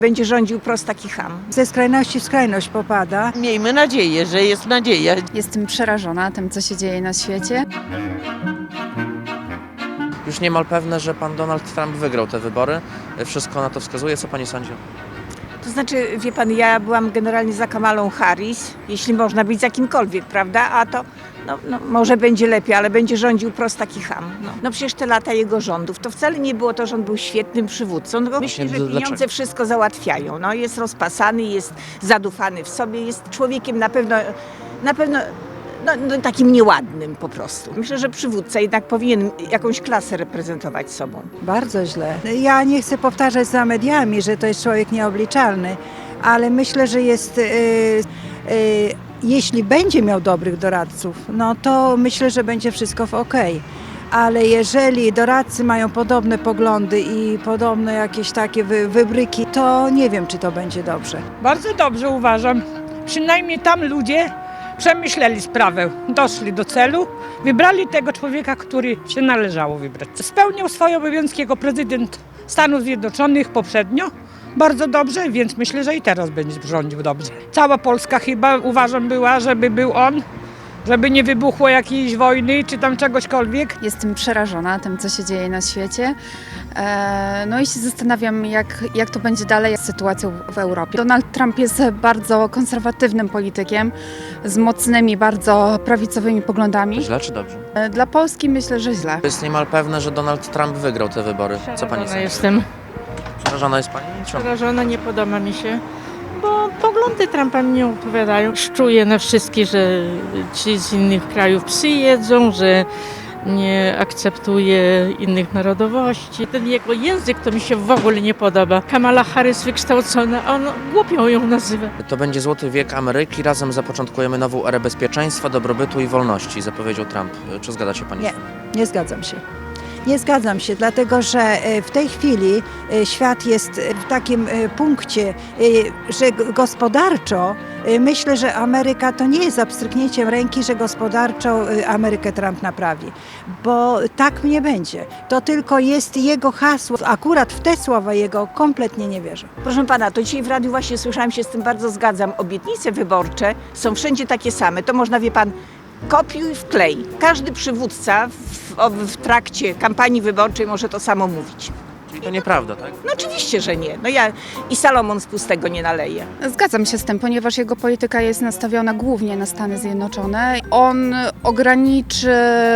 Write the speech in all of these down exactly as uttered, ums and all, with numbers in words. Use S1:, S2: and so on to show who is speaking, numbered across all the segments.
S1: Będzie rządził prostak i cham.
S2: Ze skrajności w skrajność popada.
S3: Miejmy nadzieję, że jest nadzieja.
S4: Jestem przerażona tym, co się dzieje na świecie.
S5: Już niemal pewne, że pan Donald Trump wygrał te wybory. Wszystko na to wskazuje. Co pani sądzi?
S1: To znaczy, wie pan, ja byłam generalnie za Kamalą Harris, jeśli można być za kimkolwiek, prawda? A to no, no, może będzie lepiej, ale będzie rządził prostak i cham. No, no przecież te lata jego rządów, to wcale nie było to, że on był świetnym przywódcą. No, myślę, że pieniądze
S5: dlaczego?
S1: wszystko załatwiają. No, jest rozpasany, jest zadufany w sobie, jest człowiekiem na pewno, na pewno no, no, takim nieładnym po prostu. Myślę, że przywódca jednak powinien jakąś klasę reprezentować sobą.
S2: Bardzo źle. Ja nie chcę powtarzać za mediami, że to jest człowiek nieobliczalny, ale myślę, że jest... Yy, yy, jeśli będzie miał dobrych doradców, no to myślę, że będzie wszystko w okej. Ale jeżeli doradcy mają podobne poglądy i podobne jakieś takie wy, wybryki, to nie wiem, czy to będzie dobrze.
S6: Bardzo dobrze uważam. Przynajmniej tam ludzie przemyśleli sprawę, doszli do celu, wybrali tego człowieka, który się należało wybrać. Spełniał swoje obowiązki jako prezydent Stanów Zjednoczonych poprzednio. Bardzo dobrze, więc myślę, że i teraz będzie rządził dobrze. Cała Polska chyba uważam była, żeby był on, żeby nie wybuchło jakiejś wojny czy tam czegośkolwiek.
S4: Jestem przerażona tym, co się dzieje na świecie. E, No i się zastanawiam, jak, jak to będzie dalej z sytuacją w Europie. Donald Trump jest bardzo konserwatywnym politykiem z mocnymi, bardzo prawicowymi poglądami.
S5: Źle czy dobrze?
S4: E, Dla Polski myślę, że źle.
S5: Jest niemal pewne, że Donald Trump wygrał te wybory. Co pani
S7: Przerażona
S5: sądzi?
S7: jestem.
S5: Przerażona jest pani? Czemu?
S7: Przerażona, nie podoba mi się, bo poglądy Trumpa mi nie odpowiadają. Szczuję na wszystkich, że ci z innych krajów psy jedzą, że nie akceptuje innych narodowości. Ten jego język to mi się w ogóle nie podoba. Kamala Harris wykształcona, a on głupią ją nazywa.
S5: To będzie złoty wiek Ameryki. Razem zapoczątkujemy nową erę bezpieczeństwa, dobrobytu i wolności, zapowiedział Trump. Czy zgadza się pani?
S2: Nie, nie zgadzam się. Nie zgadzam się, dlatego że w tej chwili świat jest w takim punkcie, że gospodarczo myślę, że Ameryka to nie jest za pstryknięciem ręki, że gospodarczo Amerykę Trump naprawi, bo tak nie będzie. To tylko jest jego hasło. Akurat w te słowa jego kompletnie nie wierzę.
S1: Proszę pana, to dzisiaj w radiu właśnie słyszałam, się z tym bardzo zgadzam. Obietnice wyborcze są wszędzie takie same. To można, wie pan, kopiuj wklej. Każdy przywódca w, w trakcie kampanii wyborczej może to samo mówić.
S5: Czyli to nieprawda, tak?
S1: No oczywiście, że nie. No ja i Salomon z pustego nie naleje.
S4: Zgadzam się z tym, ponieważ jego polityka jest nastawiona głównie na Stany Zjednoczone. On ograniczy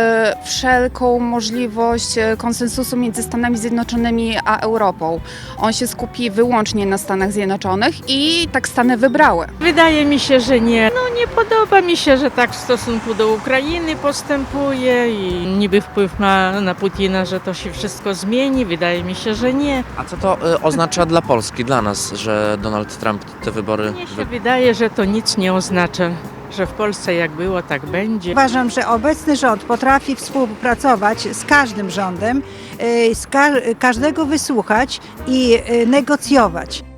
S4: wszelką możliwość konsensusu między Stanami Zjednoczonymi a Europą. On się skupi wyłącznie na Stanach Zjednoczonych i tak Stany wybrały.
S7: Wydaje mi się, że nie. No nie podoba mi się, że tak w stosunku do Ukrainy postępuje i niby wpływ ma na Putina, że to się wszystko zmieni. Wydaje mi się, że nie.
S5: A co to y, oznacza dla Polski, dla nas, że Donald Trump te wybory...
S7: Mnie się
S5: wy-
S7: wydaje, że to nic nie oznacza, że w Polsce jak było, tak będzie.
S2: Uważam, że obecny rząd potrafi współpracować z każdym rządem, z ka- każdego wysłuchać i negocjować.